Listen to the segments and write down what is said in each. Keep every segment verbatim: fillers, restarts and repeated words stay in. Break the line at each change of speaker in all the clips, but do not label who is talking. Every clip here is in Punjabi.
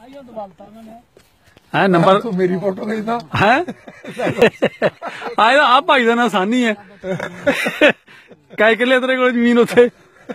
है नंबर
तो मेरी फोटो भेजना
है आए आ भाई का ना सानी है कै किले तेरे को जमीन उत्थे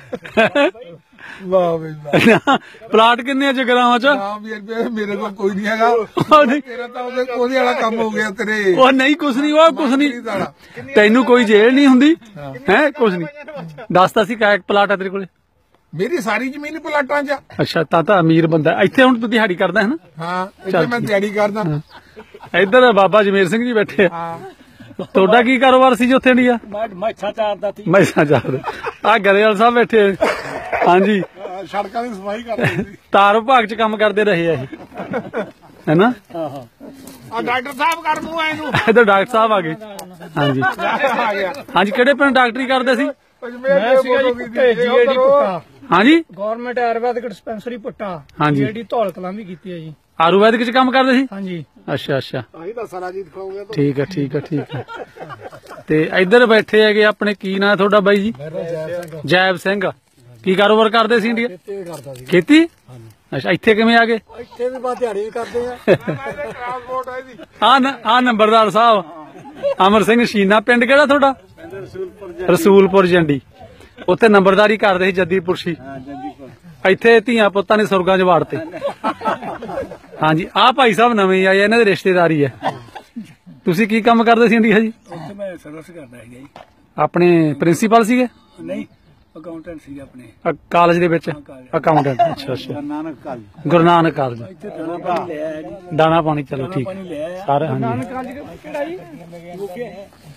वाह बई वाह
प्लाट किन्ने जगरावां च
मेरे को कोई नहीं हैगा तेरा तो ओदे वाला काम हो गया तेरे
ओ नहीं कुछ नहीं वो कुछ नहीं तैनू कोई जेल नहीं हुंदी है कुछ नहीं दस ता सी कै प्लाट है तेरे कोले
मेरी सारी जमीन प्लाटां च
अच्छा ता ता अमीर बंदा इत्थे हुण तू दिहाड़ी करदा है ना
हां इत्थे मैं दिहाड़ी करदा
इधर बाबा जमेर सिंह जी बैठे हां ਤੁਹਾਡਾ ਕੀ ਕਾਰੋਬਾਰ ਸੀ ਜੀ ਉੱਥੇ ਇੰਡੀਆ
ਮੈਸਾਂ ਚਾਰਦਾ ਸੀ
ਮੈਸਾਂ ਚਾਰਦਾ ਆ ਗਰੇਵਾਲ ਸਾਹਿਬ ਬੈਠੇ ਹਾਂਜੀ
ਸੜਕਾਂ ਦੀ ਸਫਾਈ ਕਰਦੇ ਸੀ
ਤਾਰ ਵਿਭਾਗ ਚ ਕੰਮ ਕਰਦੇ ਰਹੇ ਆ ਇਹ ਹੈਨਾ
ਹਾਂ ਹਾਂ
ਆ ਡਾਕਟਰ ਸਾਹਿਬ ਕਰ ਮੂੰਹ ਆਏ ਨੂੰ
ਇਧਰ ਡਾਕਟਰ ਸਾਹਿਬ ਆ ਗਏ ਹਾਂਜੀ
ਆ ਗਿਆ
ਹਾਂਜੀ ਕਿਹੜੇ ਪਿੰਡ ਡਾਕਟਰੀ ਕਰਦੇ ਸੀ
ਮੈਂ ਸੀਗਾ ਜੀ ਜੀਏਡੀ ਪੁੱਟਾ
ਹਾਂਜੀ
ਗਵਰਨਮੈਂਟ ਆਯੁਰਵੈਦਿਕ ਡਿਸਪੈਂਸਰੀ ਪੁੱਟਾ
ਹਾਂਜੀ
ਜੀਏਡੀ ਧੌਲ ਕਲਾਂ ਵੀ ਕੀਤੀ ਹੈ ਜੀ
ਆਯੁਰਵੈਦਿਕ ਚ ਕੰਮ ਕਰਦੇ ਸੀ
ਹਾਂਜੀ
ਅੱਛਾ ਅੱਛਾ
ਆਹੀ ਤਾਂ ਸਾਰਾ ਜੀ ਦਿਖਾਉਂਗਾ
ਠੀਕ ਹੈ ਠੀਕ ਹੈ ਠੀਕ ਹੈ ਤੇ ਇੱਧਰ ਬੈਠੇ ਹੈਗੇ ਆਪਣੇ ਕੀ ਨਾਂ ਤੁਹਾਡਾ ਬਾਈ ਜੀ ਜੈਬ ਸਿੰਘ ਕੀ ਕਾਰੋਬਾਰ ਕਰਦੇ ਸੀ ਇੰਡੀਆ
ਖੇਤੀ ਕਰਦਾ ਸੀ
ਖੇਤੀ ਅੱਛਾ ਇੱਥੇ ਕਿਵੇਂ ਆ ਗਏ
ਇੱਥੇ ਵੀ ਬਾ ਦਿਹਾੜੀ ਵੀ ਕਰਦੇ ਆ
ਟਰਾਂਸਪੋਰਟ ਹੈ ਜੀ
ਆ ਆ ਨੰਬਰਦਾਰ ਸਾਹਿਬ ਅਮਰ ਸਿੰਘ ਸ਼ੀਨਾ ਪਿੰਡ ਕਿਹੜਾ ਤੁਹਾਡਾ ਰਸੂਲਪੁਰ ਜੰਡੀ ਉੱਥੇ ਨੰਬਰਦਾਰੀ ਕਰਦੇ ਸੀ ਜੱਦੀਪੁਰ ਸੀ ਇੱਥੇ ਧੀਆਂ ਪੁੱਤਾਂ ਨੇ ਸੁਰਗਾਂ ਚ ਵਾੜਤੇ ਹਾਂਜੀ ਆ ਭਾਈ ਸਾਹਿਬ ਨਵੇਂ ਆਏ ਇਹਨਾਂ ਦੇ ਰਿਸ਼ਤੇਦਾਰੀ ਹੈ ਤੁਸੀਂ ਕੀ ਕੰਮ ਕਰਦੇ ਸੀ ਇੰਡੀਆ ਜੀ
ਉੱਥੇ ਮੈਂ ਸਰਵਿਸ ਕਰਦਾ ਸੀਗਾ ਜੀ
ਆਪਣੇ ਪ੍ਰਿੰਸੀਪਲ ਸੀਗੇ
ਨਹੀਂ ਅਕਾਊਂਟੈਂਟ ਸੀ ਆਪਣੇ
ਕਾਲਜ ਦੇ ਵਿੱਚ ਅਕਾਊਂਟੈਂਟ ਅੱਛਾ ਅੱਛਾ
ਗੁਰੂ ਨਾਨਕ ਕਾਲਜ
ਗੁਰੂ ਨਾਨਕ ਕਾਲਜ
ਇੱਥੇ ਦਾਣਾ ਪਾਣੀ ਲੈ ਆਇਆ ਜੀ
ਦਾਣਾ ਪਾਣੀ ਚਲੋ ਠੀਕ
ਪਾਣੀ ਲੈ ਆਇਆ
ਸਾਰੇ ਹਾਂਜੀ
ਕਾਲਜ ਕਿਹੜਾ ਜੀ ਮੁੱਕੇ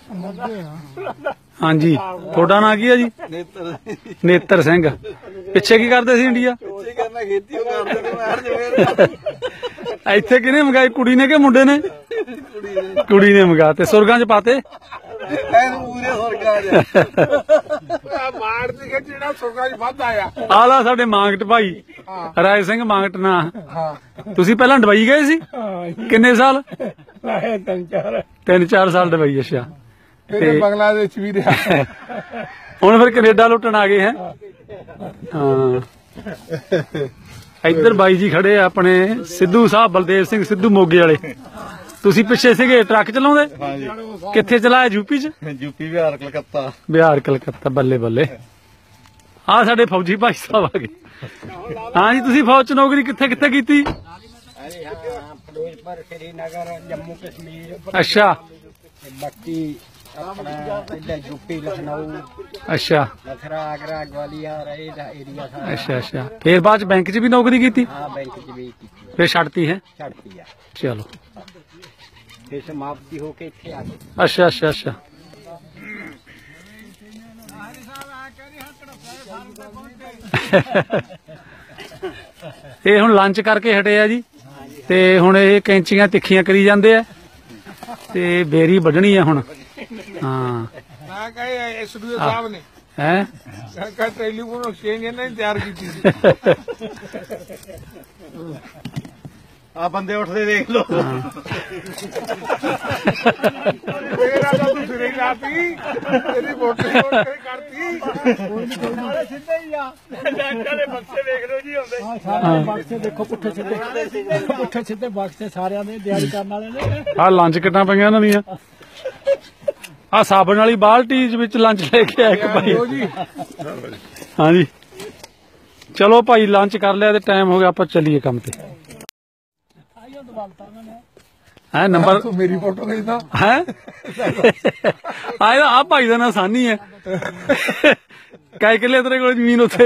ਹਾਂਜੀ ਤੁਹਾਡਾ ਨਾਂ ਕੀ ਹੈ ਜੀ
ਨੇਤਰ
ਨੇਤਰ ਸਿੰਘ ਪਿੱਛੇ ਕੀ ਕਰਦੇ ਸੀ ਇੰਡੀਆ
ਪਿੱਛੇ ਕਰਨਾ ਖੇਤੀ ਉਹ ਕਰਦੇ ਨੇ ਮੈਂ ਜਵੇਰ
ਇੱਥੇ ਕਿਹਨੇ ਮੰਗਾਈ ਕੁੜੀ ਨੇ ਕਿ ਮੁੰਡੇ ਨੇ
ਕੁੜੀ ਨੇ
ਕੁੜੀ ਨੇ ਮੰਗਾ ਤੇ ਸੁਰਗਾਂ ਚ ਪਾਤੇ
ਐਨ ਪੂਰੇ ਸੁਰਗਾਂ ਜਾ ਮਾਰ ਦੀ ਕਿ ਜਿਹੜਾ ਸੁਰਗਾਂ ਚ ਵੱਧ ਆਇਆ
ਆਲਾ ਸਾਡੇ ਮਾਂਗਟ ਭਾਈ ਰਾਏ ਸਿੰਘ ਮਾਂਗਟ ਨਾ
ਹਾਂ
ਤੁਸੀਂ ਪਹਿਲਾਂ ਡਬਈ ਗਏ ਸੀ ਕਿੰਨੇ ਸਾਲ
ਆਏ ਤਿੰਨ ਚਾਰ
ਤਿੰਨ ਚਾਰ ਸਾਲ ਡਬਈ ਅੱਛਾ
ਫਿਰ ਬੰਗਲਾਦੇਸ਼ ਵੀ ਰਿਹਾ
ਹੁਣ ਫਿਰ ਕੈਨੇਡਾ ਲੁੱਟਣ ਆ ਗਏ ਹੈ ਹਾਂ ਇੱਧਰ ਬਾਈ ਜੀ ਖੜੇ ਆ ਆਪਣੇ ਸਿੱਧੂ ਸਾਹਿਬ ਬਲਦੇਵ ਸਿੰਘ ਸਿੱਧੂ ਮੋਗੇ ਵਾਲੇ ਤੁਸੀਂ ਪਿੱਛੇ ਸੀਗੇ ਟਰੱਕ ਚਲਾਉਂਦੇ
ਹਾਂਜੀ
ਕਿੱਥੇ ਚਲਾਇਆ ਯੂਪੀ ਚ
ਯੂਪੀ ਬਿਹਾਰ ਕਲਕੱਤਾ
ਬਿਹਾਰ ਕਲਕੱਤਾ ਬੱਲੇ ਬੱਲੇ ਆ ਸਾਡੇ ਫੌਜੀ ਭਾਈ ਸਾਹਿਬ ਆ ਗਏ ਹਾਂ ਜੀ ਤੁਸੀਂ ਫੌਜ ਚ ਨੌਕਰੀ ਕਿੱਥੇ ਕਿੱਥੇ ਕੀਤੀ
ਅਰੇ ਹਾਂ ਫਿਰੋਜ਼ਪੁਰ ਸ਼੍ਰੀਨਗਰ ਜੰਮੂ ਕਸ਼ਮੀਰ
ਅੱਛਾ
ਬਾਕੀ ਆਪਣਾ ਇੱਧਰ ਯੂਪੀ ਲਖਨਊ
ਅੱਛਾ
ਮਥੁਰਾ ਆਗਰਾ ਗਵਾਲੀਅਰ ਇਹਦਾ ਏਰੀਆ ਸਾਰਾ
ਅੱਛਾ ਅੱਛਾ ਫੇਰ ਬਾਅਦ ਚ ਬੈਂਕ ਚ ਵੀ ਨੌਕਰੀ ਕੀਤੀ
ਹਾਂ ਬੈਂਕ ਚ ਵੀ ਕੀਤੀ
ਫੇਰ ਛੱਡਤੀ ਹੈ
ਛੱਡਤੀ ਆ
ਚਲੋ
ਫਿਰ ਸਮਾਪਤੀ ਹੋ ਕੇ ਇੱਥੇ ਆ ਗਏ
ਅੱਛਾ ਅੱਛਾ ਅੱਛਾ ਇਹ ਹੁਣ ਲੰਚ ਕਰਕੇ ਹਟੇ ਆ ਜੀ ਤੇ ਹੁਣ ਇਹ ਕੈਂਚੀਆਂ ਤਿੱਖੀਆਂ ਕਰੀ ਜਾਂਦੇ ਆ ਤੇ ਬੇਰੀ ਵੱਢਣੀ ਆ ਹੁਣ ਹਾਂ
ਮੈਂ ਕਹੇ ਐਸਡੀਓ ਸਾਹਿਬ ਨੇ
ਹੈ
ਕਹ ਟੈਲੀਫੋਨ ਐਕਸਚੇਂਜ ਇਹਨਾਂ ਨੇ ਤਿਆਰ ਕੀਤੀ ਸੀ ਆ ਬੰਦੇ ਉੱਠਦੇ ਦੇਖ ਲੋ ਮੇਰਾ ਤਾਂ ਤੂੰ ਸਿਰੇ ਲਾਤੀ ਤੇਰੀ ਵੋਟ ਕਰਤੀ ਸਾਰੇ ਸਿੱਧੇ ਹੀ ਆ ਡਾਕਟਰ ਦੇ ਬਕਸੇ ਵੇਖ ਲੋ ਜੀ ਹੁੰਦੇ
ਸਾਰੇ ਬਕਸੇ ਦੇਖੋ ਪੁੱਠੇ ਸਿੱਧੇ ਪੁੱਠੇ ਸਿੱਧੇ ਬਕਸੇ ਸਾਰਿਆਂ ਦੇ ਦਿਹਾੜੀ ਕਰਨ ਵਾਲੇ ਨੇ
ਆ ਲੰਚ ਕਿੱਟਾਂ ਪਈਆਂ ਇਹਨਾਂ ਦੀਆਂ ਆ ਸਾਬਣ ਵਾਲੀ ਬਾਲਟੀ ਵਿੱਚ ਲੰਚ ਲੈ ਕੇ ਆਇਆ ਇੱਕ ਭਾਈ ਹਾਂਜੀ ਚਲੋ ਭਾਈ ਲੰਚ ਕਰ ਲਿਆ ਤੇ ਟਾਈਮ ਹੋ ਗਿਆ ਆਪਾਂ ਚੱਲੀਏ ਕੰਮ ਤੇ ਹੈ ਨੰਬਰ
ਤੂੰ ਮੇਰੀ ਫੋਟੋ भेजना
ਹੈ ਆਏ ਆ ਭਾਈ ਦਾ ਨਾਂ ਸਾਨੀ ਹੈ कै ਕਿਲੇ ਤੇਰੇ ਕੋਲ ਜ਼ਮੀਨ ਉੱਥੇ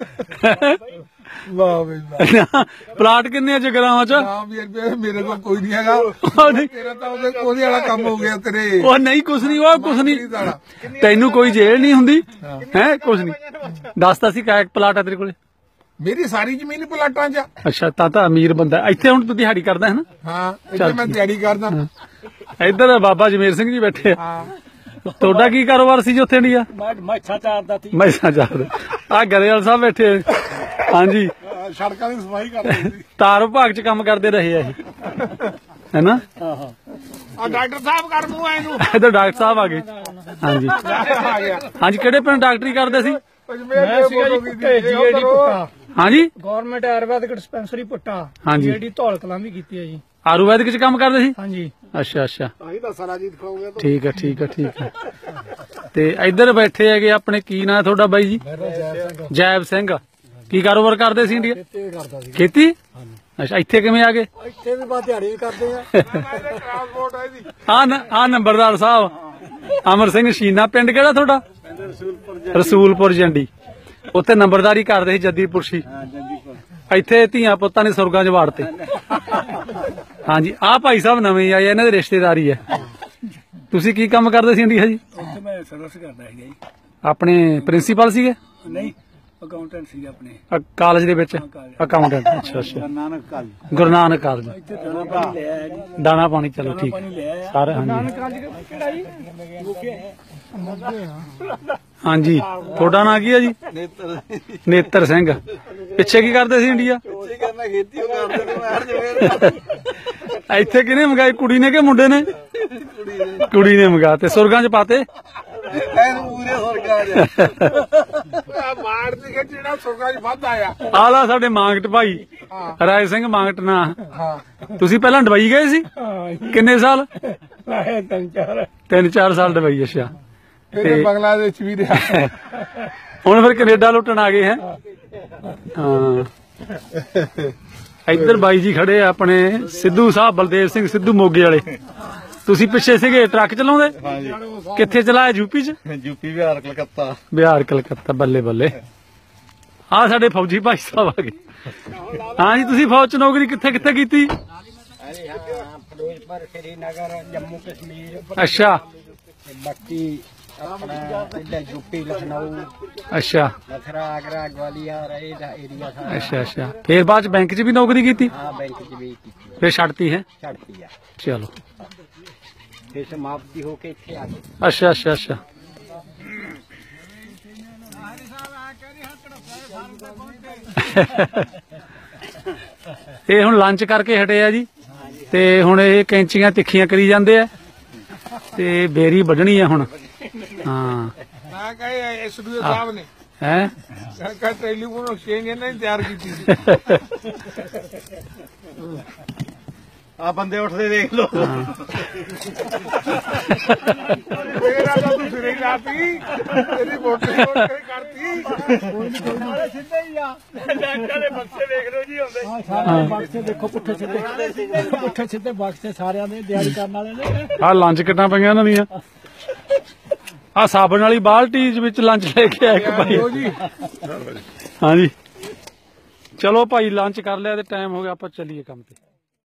ਵਾਹ ਬਈ ਵਾਹ
ਪਲਾਟ ਕਿੰਨੇ ਜਗਰਾਵਾਂ ਚ
ਹਾਂ ਵੀਰ ਮੇਰੇ ਕੋਲ ਕੋਈ ਨਹੀਂ ਹੈਗਾ ਤੇਰਾ ਤਾਂ ਉਹਦੇ ਉਹਦੇ ਵਾਲਾ ਕੰਮ ਹੋ ਗਿਆ ਤੇਰੇ
ਉਹ ਨਹੀਂ ਕੁਛ ਨਹੀਂ ਉਹ ਕੁਛ ਨਹੀਂ ਤੈਨੂੰ ਕੋਈ ਜੇਲ ਨਹੀਂ ਹੁੰਦੀ ਹੈ ਕੁਛ ਨਹੀਂ ਦੱਸਦਾ ਸੀ कै ਪਲਾਟ ਹੈ ਤੇਰੇ ਕੋਲੇ
ਮੇਰੀ ਸਾਰੀ ਜ਼ਮੀਨ ਪਲਾਟਾਂ 'ਚ
ਅੱਛਾ ਤਾਂ ਤਾਂ ਅਮੀਰ ਬੰਦਾ ਇੱਥੇ ਹੁਣ ਤੂੰ ਦਿਹਾੜੀ ਕਰਦਾ ਹੈ ਨਾ
ਹਾਂ ਇੱਥੇ ਮੈਂ ਦਿਹਾੜੀ ਕਰਦਾ
ਇੱਧਰ ਬਾਬਾ ਜਮੇਰ ਸਿੰਘ ਜੀ ਬੈਠੇ
ਹਾਂ
ਤੁਹਾਡਾ ਕੀ ਕਾਰੋਬਾਰ ਸੀ ਜੀ ਉੱਥੇ ਇੰਡੀਆ
ਮੈਸਾਂ ਚਾਰਦਾ ਸੀ
ਮੈਸਾਂ ਚਾਰਦਾ ਆ ਗਰੇਵਾਲ ਸਾਹਿਬ ਬੈਠੇ ਹਾਂਜੀ
ਸੜਕਾਂ ਦੀ ਸਫਾਈ ਕਰਦੇ ਸੀ
ਤਾਰ ਵਿਭਾਗ ਚ ਕੰਮ ਕਰਦੇ ਰਹੇ ਆ ਇਹ ਹੈਨਾ
ਹਾਂ ਹਾਂ
ਆ ਡਾਕਟਰ ਸਾਹਿਬ ਕਰ ਮੂੰਹ ਆਏ ਨੂੰ
ਇੱਧਰ ਡਾਕਟਰ ਸਾਹਿਬ ਆ ਗਏ ਹਾਂਜੀ
ਆ ਗਿਆ
ਹਾਂਜੀ ਕਿਹੜੇ ਪਿੰਡ ਡਾਕਟਰੀ ਕਰਦੇ ਸੀ
ਮੈਂ ਸੀਗਾ ਜੀ ਜੀਏਡੀ ਪੁੱਟਾ
ਹਾਂਜੀ
ਗਵਰਨਮੈਂਟ ਆਯੁਰਵੈਦਿਕ ਡਿਸਪੈਂਸਰੀ ਪੁੱਟਾ
ਹਾਂਜੀ।
ਜਿਹੜੀ ਧੌਲ ਕਲਾਂ ਵੀ ਕੀਤੀ ਹੈ ਜੀ।
ਆਯੁਰਵੈਦਿਕ ਚ ਕੰਮ ਕਰਦੇ ਸੀ।
ਹਾਂਜੀ
ਅੱਛਾ ਅੱਛਾ
ਤਾਂ ਹੀ ਤਾਂ ਸਾਰਾ ਜੀ ਦਿਖਾਉਂਗੇ
ਠੀਕ ਹੈ ਠੀਕ ਹੈ ਠੀਕ ਹੈ। ਤੇ ਇੱਧਰ ਬੈਠੇ ਹੈਗੇ ਆਪਣੇ, ਕੀ ਨਾਂ ਤੁਹਾਡਾ ਬਾਈ ਜੀ? ਜੈਬ ਸਿੰਘ। ਕੀ ਕਾਰੋਬਾਰ ਕਰਦੇ ਸੀ ਇੰਡੀਆ?
ਕਰਦਾ ਸੀ।
ਖੇਤੀ। ਅੱਛਾ ਇੱਥੇ ਕਿਵੇਂ ਆ ਗਏ?
ਇੱਥੇ ਵੀ ਬਾ ਦਿਹਾੜੀ ਕਰਦੇ ਆ।
ਟਰਾਂਸਪੋਰਟ ਹੈ ਜੀ।
ਆ ਆ ਨੰਬਰਦਾਰ ਸਾਹਿਬ ਅਮਰ ਸਿੰਘ ਸ਼ੀਨਾ। ਪਿੰਡ ਕਿਹੜਾ ਤੁਹਾਡਾ?
ਰਸੂਲਪੁਰ
ਰਸੂਲਪੁਰ ਜੰਡੀ। ਉੱਥੇ ਨੰਬਰਦਾਰੀ ਕਰਦੇ ਸੀ ਜੱਦੀਪੁਰ ਸੀ।
ਹਾਂ ਜੱਦੀਪੁਰ।
ਇੱਥੇ ਧੀਆਂ ਪੁੱਤਾਂ ਨੇ ਸੁਰਗਾਂ 'ਚ ਵਾੜਤੇ। ਹਾਂਜੀ ਆਹ ਭਾਈ ਸਾਹਿਬ ਨਵੇਂ ਆਏ, ਇਹਨਾਂ ਦੇ ਰਿਸ਼ਤੇਦਾਰੀ ਹੈ। ਤੁਸੀਂ ਕੀ ਕੰਮ ਕਰਦੇ ਸੀ ਇੰਡੀਆ ਜੀ?
ਉੱਥੇ ਮੈਂ ਸਰਵਿਸ ਕਰਦਾ ਸੀਗਾ ਜੀ।
ਆਪਣੇ ਪ੍ਰਿੰਸੀਪਲ ਸੀਗੇ?
ਨਹੀਂ ਅਕਾਊਂਟੈਂਟ ਸੀ ਆਪਣੇ।
ਅ- ਕਾਲਜ ਦੇ ਵਿੱਚ ਅਕਾਊਂਟੈਂਟ। ਅੱਛਾ ਅੱਛਾ।
ਨਾਨਕ ਕਾਲ
ਗੁਰੂ ਨਾਨਕ ਕਾਲਜ।
ਇੱਥੇ ਦਾਣਾ ਪਾਣੀ ਲਿਆ ਹੈ ਜੀ।
ਦਾਣਾ ਪਾਣੀ ਚਲੋ ਠੀਕ
ਪਾਣੀ ਲਿਆ ਆ।
ਸਾਰੇ। ਹਾਂਜੀ
ਕਾਲਜ ਕਿਹੜਾ ਜੀ? ਮੋਗੇ ਆ।
ਹਾਂਜੀ ਤੁਹਾਡਾ ਨਾਂ ਕੀ ਹੈ ਜੀ?
ਨੇਤਰ
ਨੇਤਰ ਸਿੰਘ। ਪਿੱਛੇ ਕੀ ਕਰਦੇ ਸੀ ਇੰਡੀਆ?
ਉੱਚੀ ਕਰਨਾ ਖੇਤੀ ਉਹ ਕਰਦੇ ਨੇ ਮਾਰ ਜਵੇਰ
ਇੱਥੇ ਕਿਹਨੇ ਮੰਗਾਈ, ਕੁੜੀ ਨੇ ਕਿ ਮੁੰਡੇ ਨੇ? ਕੁੜੀ ਨੇ ਮੰਗਾ ਤੇ ਸੁਰਗਾਂ 'ਚ ਪਾਤੇ।
ਐਨ ਪੂਰੇ ਸਰਕਾਰ ਆ ਮਾਰ ਦੀ ਕਿ ਜਿਹੜਾ ਸੁਰਗਾ 'ਚ ਵੱਧ ਆਇਆ।
ਆਲਾ ਸਾਡੇ ਮਾਂਗਟ ਭਾਈ ਰਾਏ ਸਿੰਘ ਮਾਂਗਟ ਨਾ।
ਹਾਂ
ਤੁਸੀਂ ਪਹਿਲਾਂ ਡਬਈ ਗਏ ਸੀ? ਕਿੰਨੇ ਸਾਲ?
ਲਾਏ ਤਿੰਨ ਚਾਰ।
ਤਿੰਨ ਚਾਰ ਸਾਲ ਡਬਈ। ਅੱਛਾ
ਫਿਰ ਬੰਗਲਾਦੇਸ਼ ਵੀ ਰਿਹਾ।
ਹੁਣ ਫਿਰ ਕੈਨੇਡਾ ਲੁੱਟਣ ਆ ਗਏ ਹੈ। ਹਾਂ ਇੱਧਰ ਬਾਈ ਜੀ ਖੜੇ ਆ ਆਪਣੇ, ਸਿੱਧੂ ਸਾਹਿਬ ਬਲਦੇਵ ਸਿੰਘ ਸਿੱਧੂ ਮੋਗੇ ਵਾਲੇ। ਤੁਸੀਂ ਪਿੱਛੇ ਸੀਗੇ ਟਰੱਕ ਚਲਾਉਂਦੇ?
ਹਾਂਜੀ
ਕਿੱਥੇ ਚਲਾਇਆ? ਯੂਪੀ ਚ?
ਯੂਪੀ ਬਿਹਾਰ ਕਲਕੱਤਾ।
ਬਿਹਾਰ ਕਲਕੱਤਾ। ਬੱਲੇ ਬੱਲੇ। ਆ ਸਾਡੇ ਫੌਜੀ ਭਾਈ ਸਾਹਿਬ ਆ ਗਏ। ਹਾਂਜੀ ਤੁਸੀਂ ਫੌਜ ਚ ਨੌਕਰੀ ਕਿੱਥੇ ਕਿੱਥੇ ਕੀਤੀ?
ਫਿਰੋਜ਼ਪੁਰ, ਸ਼੍ਰੀਨਗਰ, ਜੰਮੂ ਕਸ਼ਮੀਰ।
ਅੱਛਾ
ਬਾਕੀ ਆਪਣਾ ਇੱਧਰ ਯੂਪੀ, ਲਖਨਊ,
ਅੱਛਾ
ਮਥੁਰਾ, ਆਗਰਾ, ਗਵਾਲੀਅਰ ਇਹਦਾ ਏਰੀਆ ਸਾਰਾ।
ਅੱਛਾ ਅੱਛਾ। ਫੇਰ ਬਾਅਦ ਚ ਬੈਂਕ ਚ ਵੀ ਨੌਕਰੀ ਕੀਤੀ?
ਹਾਂ ਬੈਂਕ ਚ ਵੀ ਕੀਤੀ।
ਫੇਰ ਛੱਡਤੀ ਹੈ?
ਛੱਡਤੀ ਆ।
ਚਲੋ
ਫਿਰ ਸਮਾਪਤੀ ਹੋ ਕੇ ਇੱਥੇ ਆ ਗਏ।
ਅੱਛਾ ਅੱਛਾ ਅੱਛਾ। ਇਹ ਹੁਣ ਲੰਚ ਕਰਕੇ ਹਟੇ ਆ ਜੀ, ਤੇ ਹੁਣ ਇਹ ਕੈਂਚੀਆਂ ਤਿੱਖੀਆਂ ਕਰੀ ਜਾਂਦੇ ਆ, ਤੇ ਬੇਰੀ ਵੱਢਣੀ ਆ ਹੁਣ। ਹਾਂ
ਮੈਂ ਕਹੇ ਐਸਡੀਓ ਸਾਹਿਬ ਨੇ
ਹੈ
ਕਹ ਟੈਲੀਫੋਨ ਐਕਸਚੇਂਜ ਇਹਨਾਂ ਨੇ ਤਿਆਰ ਕੀਤੀ ਸੀ। ਆ ਬੰਦੇ ਉੱਠਦੇ ਦੇਖ ਲੋ। ਫੇਰ ਆ ਤੂੰ ਸਿਰੇ ਲਾਤੀ ਤੇਰੀ ਵੋਟਿੰਗ ਕਰਤੀ।
ਸਿੱਧੇ ਹੀ ਆ।
ਡਾਕਟਰ ਦੇ ਬਕਸੇ ਵੇਖ ਲੋ ਜੀ ਹੁੰਦੇ।
ਹਾਂ ਸਾਰੇ ਬਕਸੇ ਦੇਖੋ ਪੁੱਠੇ ਸਿੱਧੇ। ਪੁੱਠੇ ਸਿੱਧੇ ਬਕਸੇ ਸਾਰਿਆਂ ਦੇ ਦਿਹਾੜੀ ਕਰਨ ਵਾਲੇ ਨੇ।
ਆ ਲੰਚ ਕਿੱਟਾਂ ਪਈਆਂ ਇਹਨਾਂ ਦੀਆਂ। ਆ ਸਾਬਣ ਵਾਲੀ ਬਾਲਟੀ ਵਿੱਚ ਲੰਚ ਲੈ ਕੇ ਆਇਆ ਇੱਕ ਭਾਈ। ਹਾਂਜੀ ਚਲੋ ਭਾਈ ਲੰਚ ਕਰ ਲਿਆ ਤੇ ਟਾਈਮ ਹੋ ਗਿਆ, ਆਪਾਂ ਚੱਲੀਏ ਕੰਮ ਤੇ।